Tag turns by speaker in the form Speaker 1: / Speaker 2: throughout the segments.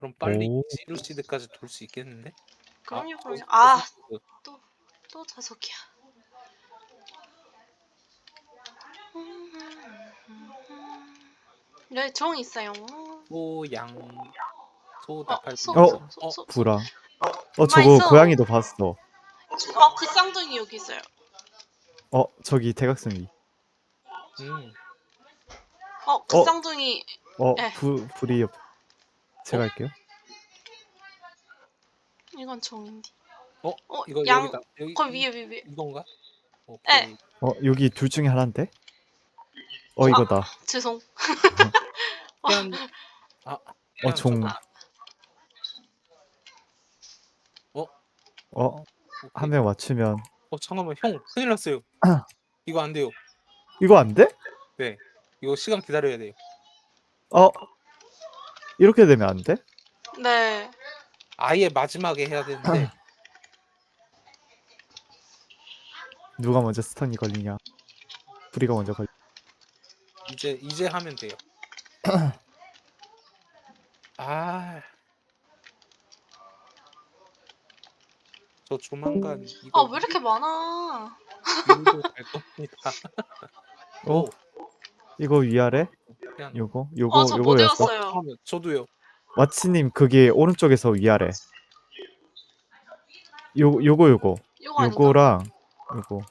Speaker 1: 그럼 빨리
Speaker 2: 오.
Speaker 1: 지루시드까지 돌 수 있겠는데? 아
Speaker 3: 그럼요,
Speaker 1: 저
Speaker 3: 그럼요. 아,
Speaker 1: 저속도.
Speaker 3: 또 자석이야. 네, 종 있어요.
Speaker 1: 소양 소
Speaker 3: 어,
Speaker 1: 나팔
Speaker 3: 소,
Speaker 2: 어,
Speaker 3: 소, 소, 소, 소.
Speaker 2: 구라.
Speaker 3: 가만히
Speaker 2: 저거
Speaker 3: 있어.
Speaker 2: 고양이도 봤어.
Speaker 3: 그 쌍둥이 여기 있어요.
Speaker 2: 저기 대각선이.
Speaker 1: 음.
Speaker 3: 그
Speaker 2: 어,
Speaker 3: 쌍둥이. 예,
Speaker 2: 불이 옆. 제가
Speaker 1: 어?
Speaker 2: 할게요.
Speaker 3: 이건 종인데.
Speaker 1: 이거
Speaker 3: 양,
Speaker 1: 여기다. 여기
Speaker 3: 거기 위에.
Speaker 1: 이건가?
Speaker 3: 예.
Speaker 1: 오케이.
Speaker 2: 여기 둘 중에 하나인데?
Speaker 3: 아,
Speaker 2: 이거다.
Speaker 3: 죄송.
Speaker 1: 피아노. 아 피아노
Speaker 2: 종.
Speaker 1: 저거.
Speaker 2: 한
Speaker 1: 오케이.
Speaker 2: 명 맞추면.
Speaker 1: 잠깐만 형 큰일 났어요. 이거 안 돼요.
Speaker 2: 이거 안 돼?
Speaker 1: 네. 이거 시간 기다려야 돼요.
Speaker 2: 이렇게 되면 안 돼?
Speaker 3: 네.
Speaker 1: 아예 마지막에 해야 되는데
Speaker 2: 누가 먼저 스턴이 걸리냐? 불이가 먼저 걸리.
Speaker 1: 이제 하면 돼요. 아. 저 조만간 이거
Speaker 3: 왜 이렇게 많아?
Speaker 1: 유도 갈 겁니다.
Speaker 2: 어? 이거 위아래?
Speaker 1: 피아노.
Speaker 2: 요거
Speaker 3: 저 못
Speaker 2: 외웠어?
Speaker 3: 외웠어요.
Speaker 1: 잠깐만 저도요.
Speaker 2: 마치님 그게 오른쪽에서 위아래. 요거
Speaker 3: 요거 아닌가?
Speaker 2: 요거랑 요거.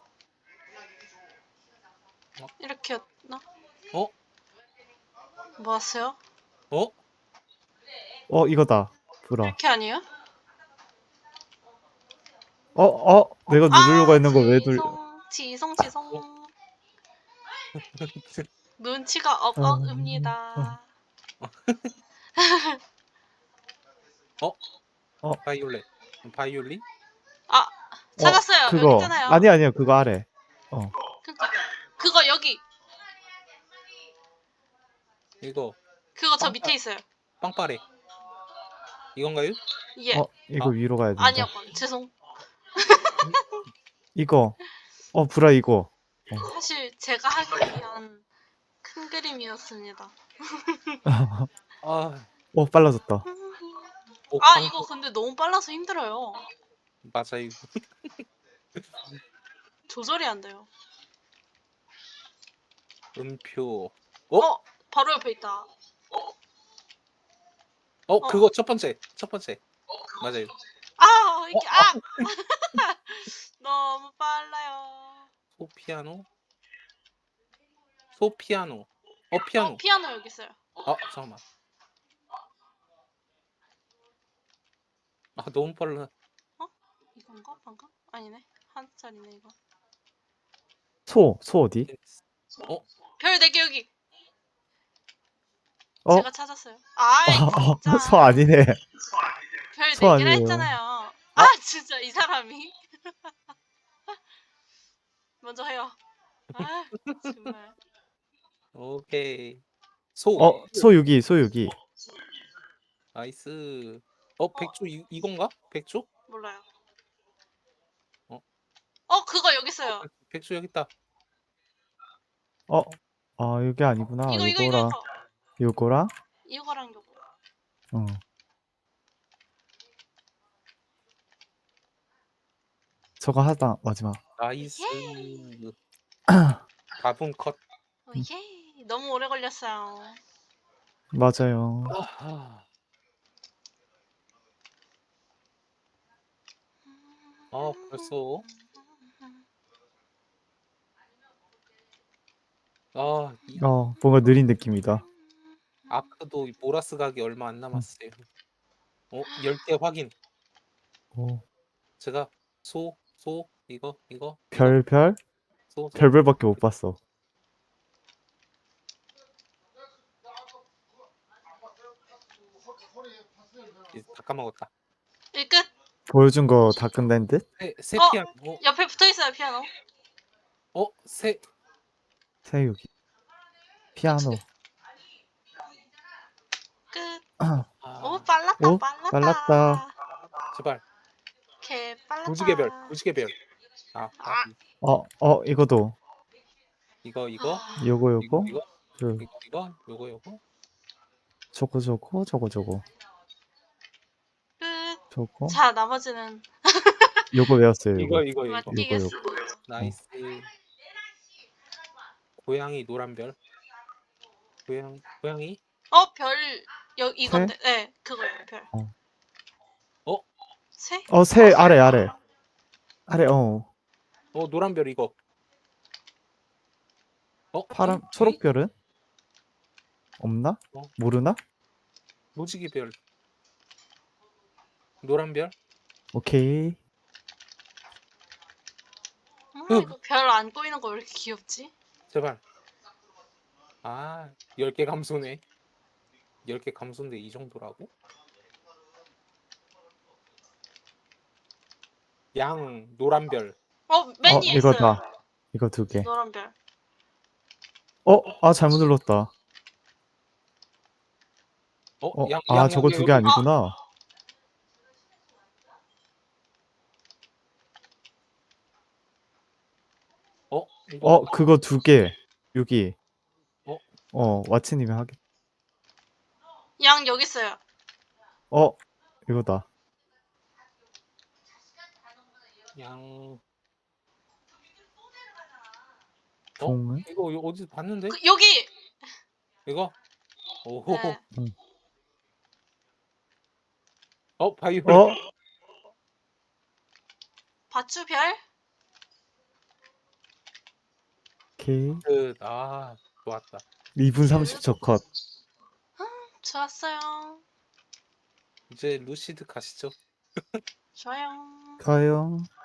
Speaker 3: 이렇게였나?
Speaker 1: 어?
Speaker 3: 뭐 하세요?
Speaker 2: 이거다. 불아.
Speaker 3: 이렇게 아니에요?
Speaker 2: 내가 누르려고 했는 거 왜 눌?
Speaker 3: 지성.
Speaker 1: 어?
Speaker 3: 눈치가 억억입니다.
Speaker 1: 바이올렛. 바이올린?
Speaker 3: 찾았어요. 여기
Speaker 2: 그거.
Speaker 3: 있잖아요.
Speaker 2: 아니야 그거 아래.
Speaker 3: 그거 여기.
Speaker 1: 이거
Speaker 3: 그거 저 밑에 있어요.
Speaker 1: 빵빠레. 이건가요?
Speaker 3: 예.
Speaker 2: 이거 위로 가야 된다.
Speaker 3: 아니요, 죄송.
Speaker 2: 이거. 불아 이거.
Speaker 3: 사실 제가 하기 위한 큰 그림이었습니다.
Speaker 2: 빨라졌다.
Speaker 3: 이거 근데 너무 빨라서 힘들어요.
Speaker 1: 맞아요.
Speaker 3: 조절이 안 돼요.
Speaker 1: 음표.
Speaker 3: 바로 옆에 있다.
Speaker 1: 그거 첫 번째. 맞아요.
Speaker 3: 이게 너무 빨라요.
Speaker 1: 소피아노. 피아노.
Speaker 3: 피아노 여기 있어요.
Speaker 1: 잠깐만. 너무 빨라.
Speaker 3: 이건가? 방금? 아니네. 한 자리네 이거.
Speaker 2: 소 어디?
Speaker 3: 별 4개 여기.
Speaker 2: 어?
Speaker 3: 제가 찾았어요. 진짜.
Speaker 2: 소 아니네.
Speaker 3: 별
Speaker 2: 소
Speaker 3: 4개라
Speaker 2: 아니에요.
Speaker 3: 했잖아요. 진짜 이 사람이. 먼저 해요. 정말.
Speaker 1: 오케이.
Speaker 2: 소 여기.
Speaker 1: 나이스. 백조 이건가? 백조?
Speaker 3: 몰라요. 그거 여기 있어요.
Speaker 1: 백조 여기 있다.
Speaker 2: 이게 아니구나.
Speaker 3: 이거.
Speaker 2: 요거랑
Speaker 3: 이거랑 요거.
Speaker 2: 저거 하다 마지막.
Speaker 1: 나이스. 가분 컷.
Speaker 3: 예. 너무 오래 걸렸어요.
Speaker 2: 맞아요.
Speaker 1: 벌써.
Speaker 2: 뭔가 느린 느낌이다.
Speaker 1: 아크도 보라스 가기 얼마 안 남았어요. 10개 확인. 제가 소 이거
Speaker 2: 별? 별별밖에 못 봤어.
Speaker 1: 이제 다 까먹었다.
Speaker 3: 일 끝.
Speaker 2: 보여준 거 다 끝낸 듯?
Speaker 1: 새 피아노.
Speaker 3: 옆에 붙어 있어요 피아노.
Speaker 1: 새
Speaker 2: 여기. 피아노.
Speaker 3: 끝.
Speaker 2: 오,
Speaker 3: 빨랐다.
Speaker 2: 빨랐다.
Speaker 1: 제발.
Speaker 3: 개 빨랐다.
Speaker 1: 무지개 별.
Speaker 2: 이거도.
Speaker 1: 이거
Speaker 2: 요거.
Speaker 1: 이거.
Speaker 2: 저거. 저거
Speaker 3: 자, 나머지는
Speaker 2: 요거 외웠어요.
Speaker 1: 이거
Speaker 2: 요거
Speaker 1: 이거 이거.
Speaker 3: 맞히겠습니다.
Speaker 1: 나이스. 고양이 노란별. 고양이?
Speaker 3: 별 이건데. 네, 그거예요. 별.
Speaker 1: 어?
Speaker 3: 새?
Speaker 2: 새 아래 어
Speaker 1: 노란별 이거.
Speaker 2: 파란
Speaker 1: 핑?
Speaker 2: 초록별은 없나?
Speaker 1: 어.
Speaker 2: 모르나?
Speaker 1: 무지개별. 노란별?
Speaker 2: 오케이.
Speaker 3: 이거 별 안 보이는 거 왜 이렇게 귀엽지?
Speaker 1: 제발. 10개 감소네. 10개 감소인데 이 정도라고? 양 노란별.
Speaker 3: 맨 위에 있어요.
Speaker 2: 이거다. 이거 2개.
Speaker 3: 노란 별.
Speaker 2: 잘못 눌렀다. 저거 2개 아니구나.
Speaker 1: 이거
Speaker 2: 그거 2개. 여기. 와치님이 하게.
Speaker 3: 양 여기 있어요.
Speaker 2: 이거다.
Speaker 1: 양.
Speaker 2: 종은?
Speaker 1: 이거 어디서 봤는데?
Speaker 3: 여기.
Speaker 1: 이거? 오호.
Speaker 3: 네.
Speaker 1: 바이올렛.
Speaker 3: 바추별.
Speaker 2: 오케이.
Speaker 1: 좋았다.
Speaker 2: 2분 30초 컷.
Speaker 3: 좋았어요.
Speaker 1: 이제 루시드 가시죠.
Speaker 3: 좋아요.
Speaker 2: 가요.